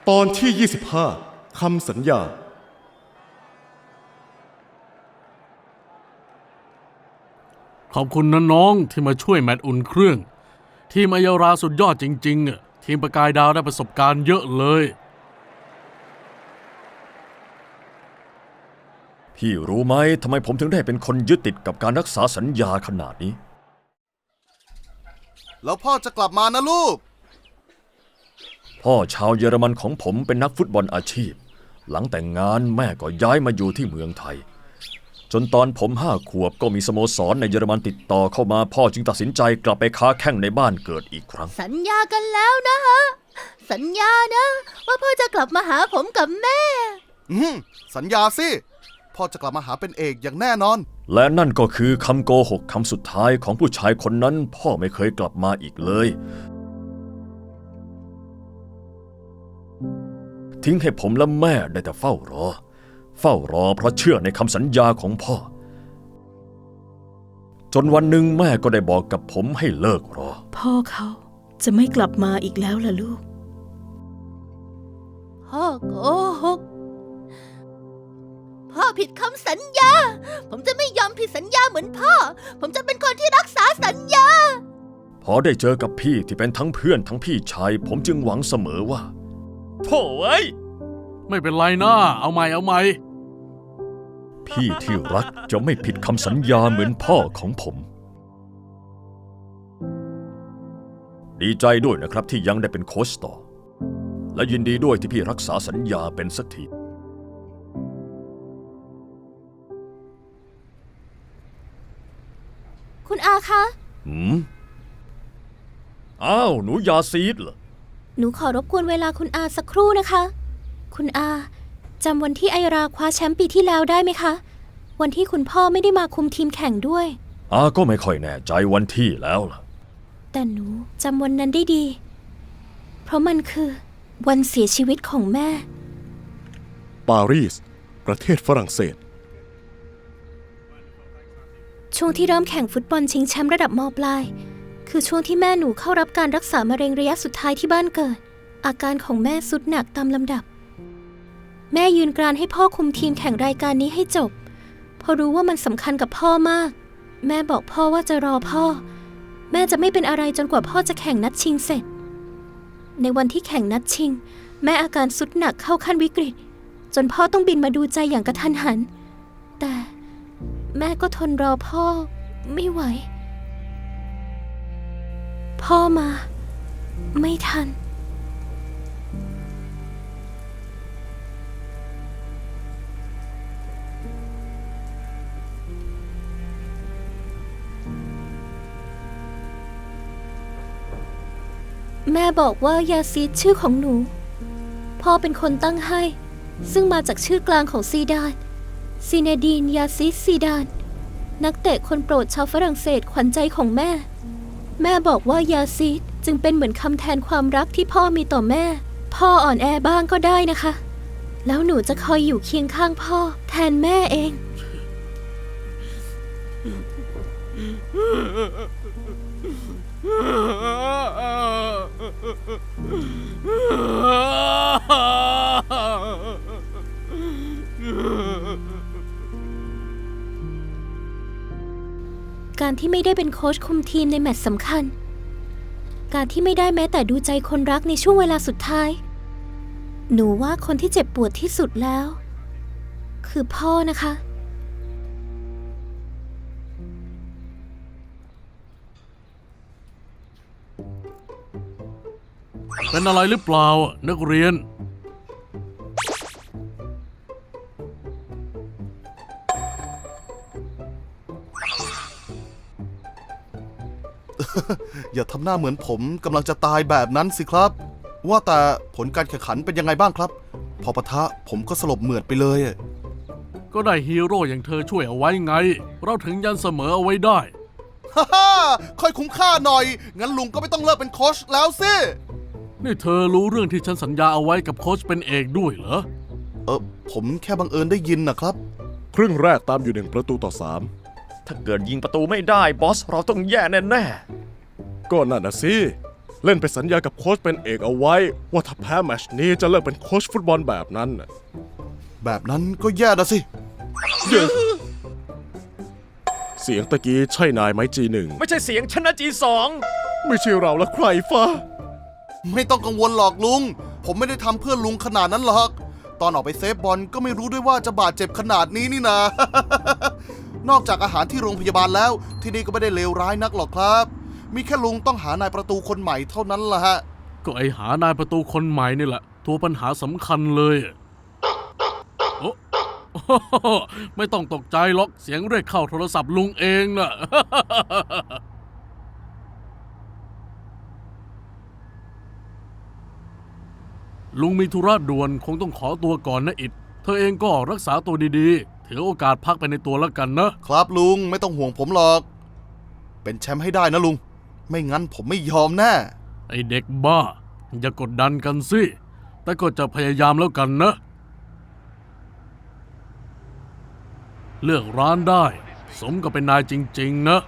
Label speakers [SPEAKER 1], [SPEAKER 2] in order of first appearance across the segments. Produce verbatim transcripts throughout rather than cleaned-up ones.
[SPEAKER 1] ตอนที่ยี่สิบห้าคำสัญญา
[SPEAKER 2] ขอบคุณนะน้องที่มาช่วยแมตช์อุ่นเครื่องทีมอัยาราสุดยอดจริงๆอ่ะทีมประกายดาวได้ประสบการณ์เยอะเลย
[SPEAKER 3] พี่รู้ไหมทำไมผมถึงได้เป็นคนยึดติดกับการรักษาสัญญาขนาดนี้
[SPEAKER 4] แล้วพ่อจะกลับมานะลูก
[SPEAKER 3] พ่อชาวเยอรมันของผมเป็นนักฟุตบอลอาชีพหลังแต่งงานแม่ก็ย้ายมาอยู่ที่เมืองไทยจนตอนผมห้าขวบก็มีสโมสรในเยอรมันติดต่อเข้ามาพ่อจึงตัดสินใจกลับไปค้าแข้งในบ้านเกิดอีกครั้ง
[SPEAKER 5] สัญญากันแล้วนะฮะสัญญานะว่าพ่อจะกลับมาหาผมกับแม่
[SPEAKER 4] อืมสัญญาสิพ่อจะกลับมาหาเป็นเอกอย่างแน่นอน
[SPEAKER 3] และนั่นก็คือคำโกหกคำสุดท้ายของผู้ชายคนนั้นพ่อไม่เคยกลับมาอีกเลยทิ้งให้ผมและแม่ได้แต่เฝ้ารอเฝ้ารอเพราะเชื่อในคำสัญญาของพ่อจนวันหนึ่งแม่ก็ได้บอกกับผมให้เลิกรอ
[SPEAKER 6] พ่อเขาจะไม่กลับมาอีกแล้วล่ะลูก
[SPEAKER 5] พ่อโกหกพ่อผิดคำสัญญาผมจะไม่ยอมผิดสัญญาเหมือนพ่อผมจะเป็นคนที่รักษาสัญญา
[SPEAKER 3] พอได้เจอกับพี่ที่เป็นทั้งเพื่อนทั้งพี่ชายผมจึงหวังเสมอว่าโถ่เอ้ย
[SPEAKER 2] ไม่เป็นไรนะเอาใหม่เอาใหม่
[SPEAKER 3] พี่ที่รักจะไม่ผิดคำสัญญาเหมือนพ่อของผมดีใจด้วยนะครับที่ยังได้เป็นโค้ชต่อและยินดีด้วยที่พี่รักษาสัญญาเป็นสักที
[SPEAKER 5] คุณอาคะ
[SPEAKER 3] หืมอ้าวหนูยาซีดเหรอ
[SPEAKER 5] หนูขอรบกวนเวลาคุณอาสักครู่นะคะคุณอาจำวันที่ไอราคว้าแชมป์ปีที่แล้วได้ไหมคะวันที่คุณพ่อไม่ได้มาคุมทีมแข่งด้วย
[SPEAKER 3] อาก็ไม่ค่อยแน่ใจวันที่แล้วล่ะ
[SPEAKER 5] แต่หนูจำวันนั้นได้ดีเพราะมันคือวันเสียชีวิตของแม่
[SPEAKER 1] ปารีสประเทศฝรั่งเศส
[SPEAKER 5] ช่วงที่เริ่มแข่งฟุตบอลชิงแชมป์ระดับม.ปลายคือช่วงที่แม่หนูเข้ารับการรักษามะเร็งระยะสุดท้ายที่บ้านเกิดอาการของแม่ทรุดหนักตามลำดับแม่ยืนกรานให้พ่อคุมทีมแข่งรายการนี้ให้จบเพราะรู้ว่ามันสำคัญกับพ่อมากแม่บอกพ่อว่าจะรอพ่อแม่จะไม่เป็นอะไรจนกว่าพ่อจะแข่งนัดชิงเสร็จในวันที่แข่งนัดชิงแม่อาการทรุดหนักเข้าขั้นวิกฤตจนพ่อต้องบินมาดูใจอย่างกระทันหันแต่แม่ก็ทนรอพ่อไม่ไหวพ่อมาไม่ทันแม่บอกว่ายาซีดชื่อของหนูพ่อเป็นคนตั้งให้ซึ่งมาจากชื่อกลางของซีดานซีเนดีนยาซิดซีดานนักเตะคนโปรดชาวฝรั่งเศสขวัญใจของแม่แม่บอกว่ายาซิดจึงเป็นเหมือนคำแทนความรักที่พ่อมีต่อแม่พ่ออ่อนแอบ้างก็ได้นะคะแล้วหนูจะคอยอยู่เคียงข้างพ่อแทนแม่เองการที่ไม่ได้เป็นโค้ชคุมทีมในแมตช์สำคัญการที่ไม่ได้แม้แต่ดูใจคนรักในช่วงเวลาสุดท้ายหนูว่าคนที่เจ็บปวดที่สุดแล้วคือพ่อนะคะ
[SPEAKER 2] เป็นอะไรหรือเปล่านักเรียน
[SPEAKER 4] อย่าทำหน้าเหมือนผมกำลังจะตายแบบนั้นสิครับว่าแต่ผลการแข่งขันเป็นยังไงบ้างครับพอปะทะผมก็สลบเหมือดไปเลย
[SPEAKER 2] ก็ได้ฮีโร่อย่างเธอช่วยเอาไว้ไงเราถึงยันเสมอเอาไว้ได้
[SPEAKER 4] ฮ่าฮ่าค่อยคุ้มค่าหน่อยงั้นลุงก็ไม่ต้องเลิกเป็นโค้ชแล้วสิ
[SPEAKER 2] นี่เธอรู้เรื่องที่ฉันสัญญาเอาไว้กับโค้ชเป็นเอกด้วยเหรอ
[SPEAKER 4] เออผมแค่บังเอิญได้ยินนะครับ
[SPEAKER 1] ครึ่งแรกตามอยู่หนึ่งประตูต่อสาม
[SPEAKER 3] ถ้าเกิดยิงประตูไม่ได้บอสเราต้องแย่แน่ๆ
[SPEAKER 1] ก็นั่นน่ะสิเล่นไปสัญญากับโค้ชเป็นเอกเอาไว้ ว่าถ้าแพ้แมตช์นี้จะเลิกเป็นโค้ชฟุตบอลแบบนั้นน่ะ
[SPEAKER 4] แบบนั้นก็แย่นะสิ
[SPEAKER 1] เสียงตะกี้ใช่นายไหมจีหนึ่ง
[SPEAKER 3] ไม่ใช่เสียงชนะจีสอง
[SPEAKER 1] ไม่ใช่เราและใครฟ้า
[SPEAKER 4] ไม่ต้องกังวลหรอกลุง ผมไม่ได้ทำเพื่อลุงขนาดนั้นหรอก ตอนออกไปเซฟบอลก็ไม่รู้ด้วยว่าจะบาดเจ็บขนาดนี้นี่นะ นอกจากอาหารที่โรงพยาบาลแล้ว ที่นี่ก็ไม่ได้เลวร้ายนักหรอกครับ มีแค่ลุงต้องหานายประตูคนใหม่เท่านั้นล่ะฮะ
[SPEAKER 2] ก็ไอหานายประตูคนใหม่นี่แหละ ตัวปัญหาสำคัญเลยโอ้ ไม่ต้องตกใจหรอกเสียงเรียกเข้าโทรศัพท์ลุงเองน่ะ ลุงมีธุระด่วนคงต้องขอตัวก่อนนะอิดเธอเองก็รักษาตัวดีๆถือโอกาสพักไปในตัวแล้วกันนะ
[SPEAKER 4] ครับลุงไม่ต้องห่วงผมหรอก เป็นแชมป์ให้ได้นะลุง ไม่งั้นผมไม่ยอมแน่
[SPEAKER 2] ไอเด็กบ้า อย่ากดดันกันสิ แต่ก็จะพยายามแล้วกันนะ เลือกร้านได้ สมกับเป็นนายจริงๆนะ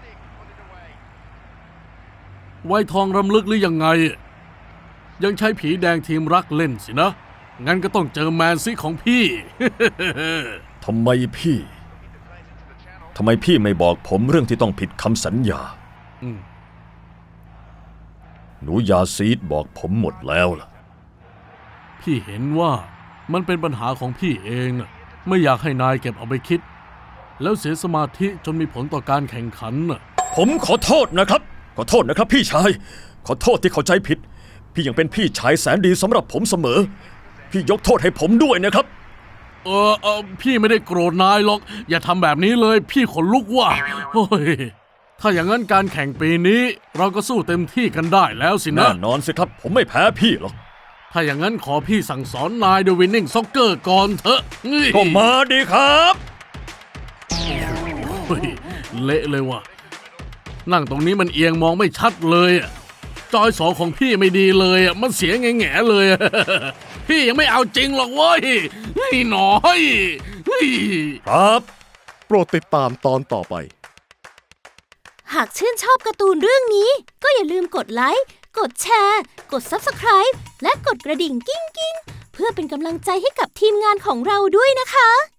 [SPEAKER 2] ไวทองรำลึกหรือยังไง ยังใช้ผีแดงทีมรักเล่นสินะ งั้นก็ต้องเจอแมนซีของพี่
[SPEAKER 3] ทำไมพี่ ทำไมพี่ไม่บอกผมเรื่องที่ต้องผิดคำสัญญา
[SPEAKER 2] อืม
[SPEAKER 3] หนูยาซีดบอกผมหมดแล้วล่ะ
[SPEAKER 2] พี่เห็นว่ามันเป็นปัญหาของพี่เองน่ะไม่อยากให้นายเก็บเอาไปคิด แล้วเสียสมาธิจนมีผลต่อการแข่งขันน่ะ
[SPEAKER 3] ผมขอโทษนะครับ ขอโทษนะครับพี่ชาย ขอโทษที่เข้าใจผิด พี่ยังเป็นพี่ชายแสนดีสำหรับผมเสมอ พี่ยกโทษให้ผมด้วยนะครับ
[SPEAKER 2] เออเออพี่ไม่ได้โกรธนายหรอก อย่าทำแบบนี้เลย พี่ขนลุกว่ะโอ้ยถ้าอย่างนั้นการแข่งปีนี้ เราก็สู้เต็มที่กันได้แล้วสินะ
[SPEAKER 3] แน่นอนสิครับ ผมไม่แพ้พี่หรอก
[SPEAKER 2] ถ้าอย่างนั้นขอพี่สั่งสอนนายด้วยวินนิ่งซ็อกเกอร์ก่อนเถอะนี่
[SPEAKER 3] ก็มาดีครับ
[SPEAKER 2] เฮ้ยเละเลยว่ะ นั่งตรงนี้มันเอียงมองไม่ชัดเลยอะจอยสองของพี่ไม่ดีเลยอะมันเสียแง่ๆเลยอะ พี่ยังไม่เอาจริงหรอกเว้ยเฮ้ยหน่อยเฮ้ย
[SPEAKER 3] ครับ
[SPEAKER 1] โปรดติดตามตอนต่อไป
[SPEAKER 5] หากชื่นชอบการ์ตูนเรื่องนี้ ก็อย่าลืมกดไลค์ กดแชร์ กด ซับสไครบ์ และกดกระดิ่งกิ้งกิ้งๆเพื่อเป็นกำลังใจให้กับทีมงานของเราด้วยนะคะ